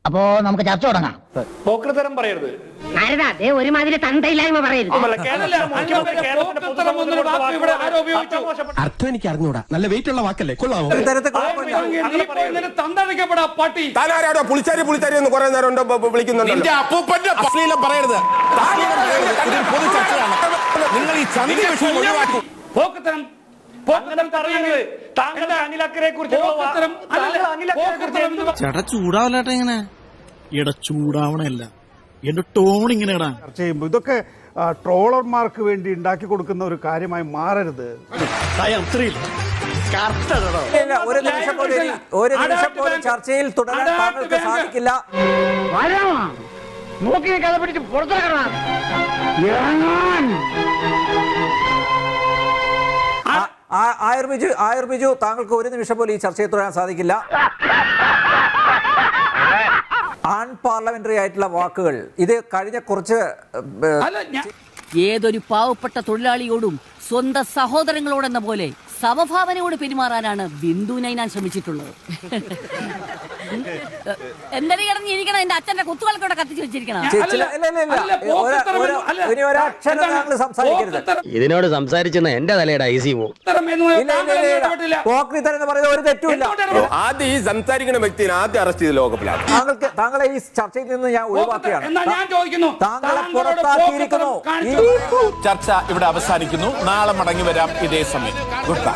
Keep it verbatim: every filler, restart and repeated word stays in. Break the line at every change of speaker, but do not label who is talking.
അപ്പോ നമുക്ക് ചർച്ച തുടങ്ങാം.
പോക്രിത്തരം പറയരുത്.
അതേ ഒരുമാതിരി തന്തയില്ലായ്മ പറയരുത്.
അർത്ഥം എനിക്ക് അറിഞ്ഞൂടാ. നല്ല വെയിറ്റ് ഉള്ള വാക്കല്ലേ, കൊള്ളാമോ?
പുളിച്ചാരി പുളിച്ചാരി എന്ന് കുറെ നേരം വിളിക്കുന്നുണ്ട്. അപ്പൂപ്പന്റെ അശ്ലീലം പറയരുത്. പൊതു ചർച്ചയാണ്. നിങ്ങൾ ഈ ചന്തി വിഷയം ഒഴിവാക്കി.
പോക്രിത്തരം താങ്കളുടെ അനിലക്കരെ കുറിച്ച്
ചേട്ടാ ചൂടാവല്ലേട്ടാ ഇങ്ങനെ. എടാ ചൂടാവണല്ല, എന്റെ ടോൺ ഇങ്ങനെ ഇടാ.
ചർച്ച ചെയ്യുമ്പോൾ ഇതൊക്കെ ട്രോളർമാർക്ക് വേണ്ടി ഉണ്ടാക്കി കൊടുക്കുന്ന ഒരു കാര്യമായി മാറരുത്.
ഒരു നിമിഷം പോലും ഒരു നിമിഷം പോലും ചർച്ചയിൽ തുടരാൻ താങ്കൾക്ക് സാധിക്കില്ല.
നോക്കി കഥ പിടിച്ച് പുറത്തിറങ്ങണം.
ആയുർ ബിജു ആയുർ ബിജു താങ്കൾക്ക് ഒരു നിമിഷം പോലും ഈ ചർച്ചയിൽ തുടരാൻ സാധിക്കില്ല. ആൺ പാർലമെന്ററി ആയിട്ടുള്ള വാക്കുകൾ ഇത് കഴിഞ്ഞ കുറച്ച്
ഏതൊരു പാവപ്പെട്ട തൊഴിലാളിയോടും സ്വന്തം സഹോദരങ്ങളോടെന്ന പോലെ സമഭാവനയോട് പെരുമാറാനാണ് ബിന്ദുവിനെ ഞാൻ ശ്രമിച്ചിട്ടുള്ളത്. എന്തെങ്കിലും ഇറങ്ങിയിരിക്കണം, എന്റെ അച്ഛന്റെ കുത്തുകൾക്കൂടെ കത്തിച്ചു വെച്ചിരിക്കണം.
ഇതിനോട് സംസാരിച്ചെന്ന് എന്റെ തലയുടെ ഐ സി പോവും.
പോക്രിത്തരം പറയുന്നത് ഒരു തെറ്റുമില്ല.
ആദ്യം ഈ സംസാരിക്കുന്ന വ്യക്തിനെ ആദ്യം അറസ്റ്റ് ചെയ്ത് ലോകപ്പിലാണ്.
താങ്കൾക്ക് താങ്കളെ ഈ ചർച്ചയിൽ നിന്ന് ഞാൻ ഒഴിവാക്കിയാണ്.
ഞാൻ ചോദിക്കുന്നു,
താങ്കളെ പുറത്താക്കിയിരിക്കുന്നു.
ചർച്ച ഇവിടെ അവസാനിക്കുന്നു. നാളെ മടങ്ങി വരാം ഇതേ സമയം. Good bye.